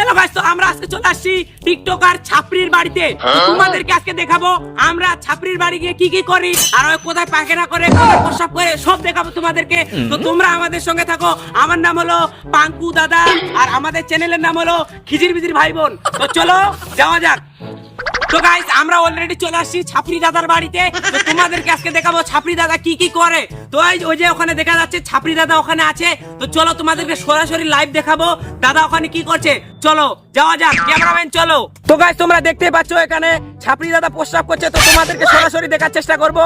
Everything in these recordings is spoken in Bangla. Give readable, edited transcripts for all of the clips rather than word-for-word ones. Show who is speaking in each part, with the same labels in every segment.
Speaker 1: চলো গাইস, তো আমরা আজকে চলে আসছি টিকটকার ছাপরির বাড়িতে। তোমাদেরকে আজকে দেখাবো আমরা ছাপরির বাড়ি গিয়ে কি কি করি, আর ওই কোথায় পায়খানা করে, কোথায় প্রস্রাব করে, সব দেখাবো তোমাদেরকে। তো তোমরা আমাদের সঙ্গে থাকো। আমার নাম হলো পাঙ্কু দাদা, আর আমাদের চ্যানেলের নাম হলো খিজির বিজির ভাই বোন। তো চলো যাওয়া যাক। তো গাইস, আমরা অলরেডি চলে আসছি ছাপরি দাদার বাড়িতে। তো তোমাদেরকে আজকে দেখাবো ছাপরি দাদা কি কি করে। তো ওই যে ওখানে দেখা যাচ্ছে ছাপরি দাদা ওখানে আছে। তো চলো তোমাদেরকে সরাসরি লাইভ দেখাবো দাদা ওখানে কি করছে। চলো যাওয়া যাক, ক্যামেরাম্যান চলো। তো গাইস, তোমরা দেখতেই পাচ্ছ এখানে ছাপরি দাদা প্রস্রাব করছে। তো তোমাদেরকে সরাসরি দেখার চেষ্টা করবো।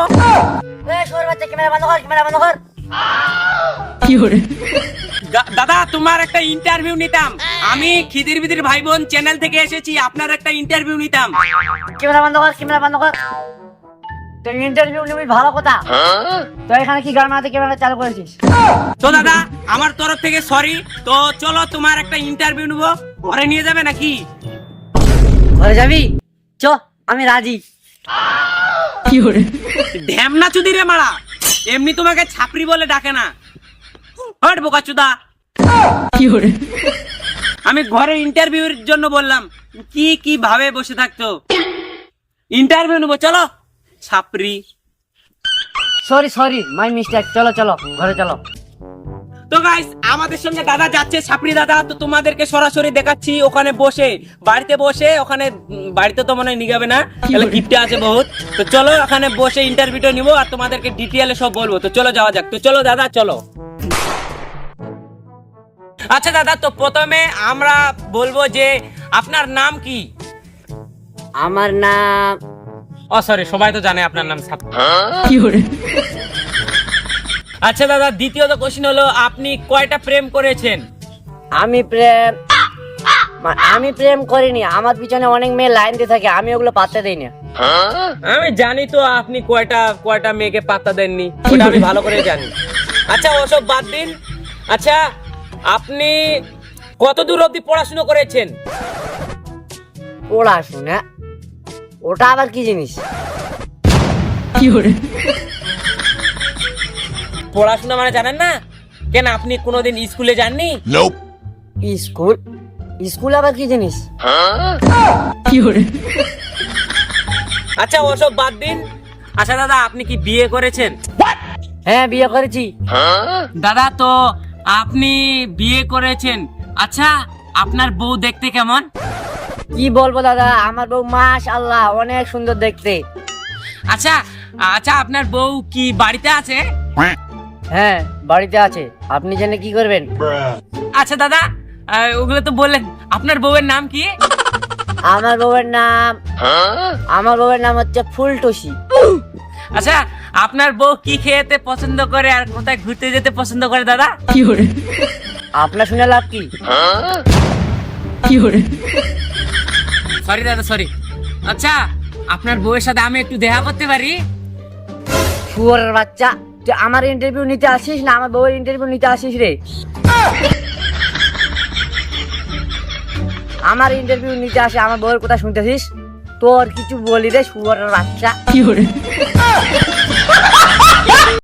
Speaker 1: দাদা, তোমার একটা ইন্টারভিউ নিতাম। আমি খিদির বিদির ভাই বোন চ্যানেল থেকে এসেছি, আপনার একটা ইন্টারভিউ নিতাম।
Speaker 2: ক্যামেরা বন্ধ কর, ক্যামেরা বন্ধ কর। তুই ইন্টারভিউ নিবি ভালো কথা। তো এখানে কি গান মারাতে ক্যামেরা চালু করেছিস?
Speaker 1: তো দাদা, আমার তরফ থেকে সরি। তো চলো তোমার একটা ইন্টারভিউ নেবো, ঘরে নিয়ে যাবে নাকি?
Speaker 2: ঘরে যাবি? চ, আমি রাজি।
Speaker 1: ঢ্যামনা চুদি রে মারা, এমনি তোমাকে ছাপরি বলে ডাকে না। হট বোকাচুদা। আমি ঘরে ইন্টারভিউর জন্য বললাম, কি কি ভাবে বসে থাকতো। ইন্টারভিউ নেবো, চলো ছাপরি।
Speaker 2: Sorry sorry, my mistake. চলো চলো, ঘরে চলো।
Speaker 1: তো গাইস, আমাদের সঙ্গে দাদা যাচ্ছে, ছাপরি দাদা। তো তোমাদেরকে সরাসরি দেখাচ্ছি ওখানে বসে, বাড়িতে বসে। ওখানে বাড়িতে তো মনে হয় নিগাবে না, তাহলে গিফটে আছে বহুত। তো চলো ওখানে বসে ইন্টারভিউটা নিবো, আর তোমাদেরকে ডিটেইলে সব বলবো। তো চলো যাওয়া যাক। তো চলো দাদা, চলো। আচ্ছা দাদা, তো প্রথমে আমরা বলবো যে আপনার নাম কি?
Speaker 2: আমার নাম,
Speaker 1: ও সরি, সবাই তো জানে আপনার নাম ছাপরি। আচ্ছা দাদা, দ্বিতীয়ত কোশ্চেন হলো, আপনি কয়টা প্রেম করেছেন?
Speaker 2: আমি প্রেম করিনি। আমার পিছনে অনেক মেয়ে লাইন দিয়ে থাকে, আমি ওগুলো পাত্তা দেই না।
Speaker 1: আমি জানি তো আপনি কয়টা মেয়েকে পাত্তা দেননি, ওটা আমি ভালো করে জানি। আচ্ছা ওসব বাদ দিন। আচ্ছা, আপনি কত দূর অবধি পড়াশোনা করেছেন?
Speaker 2: পড়াশোনা? ওটা আবার কি জিনিস?
Speaker 1: পড়াশোনা মানে জানেন না? কেন আপনি কোনোদিন স্কুলে যাননি?
Speaker 2: স্কুল? স্কুল আবার কি জিনিস?
Speaker 1: আচ্ছা ওসব বাদ দিন। আচ্ছা দাদা, আপনি কি বিয়ে করেছেন?
Speaker 2: হ্যাঁ, বিয়ে করেছি।
Speaker 1: দাদা, তো আপনি বিয়ে করেছেন, আচ্ছা আপনার বউ দেখতে কেমন?
Speaker 2: কি বলবো দাদা, আমার বউ মাশাআল্লাহ অনেক সুন্দর দেখতে।
Speaker 1: আচ্ছা আচ্ছা, আপনার বউ কি বাড়িতে আছে?
Speaker 2: হ্যাঁ, বাড়িতে আছে। আপনি জেনে কি করবেন?
Speaker 1: আচ্ছা দাদা, ওগুলো তো বললেন, আপনার বউয়ের নাম কি?
Speaker 2: আমার বউয়ের নাম হচ্ছে ফুলটুসি।
Speaker 1: আচ্ছা, আপনার বউ কি খেতে পছন্দ করে আর কোথায় ঘুরতে যেতে পছন্দ করে দাদা?
Speaker 2: আপনার শুনে লাভ কি?
Speaker 1: সরি দাদা, সরি। আচ্ছা, আপনার বউয়ের সাথে আমি একটু দেখা করতে পারি?
Speaker 2: শুয়োরের বাচ্চা, তুই আমার ইন্টারভিউ নিতে আসিস না আমার বউয়ের ইন্টারভিউ নিতে আসিস রে? আমার ইন্টারভিউ নিতে আসে, আমার বউয়ের কথা শুনতেছিস? তোর কিছু বলি রে শুয়োরের বাচ্চা।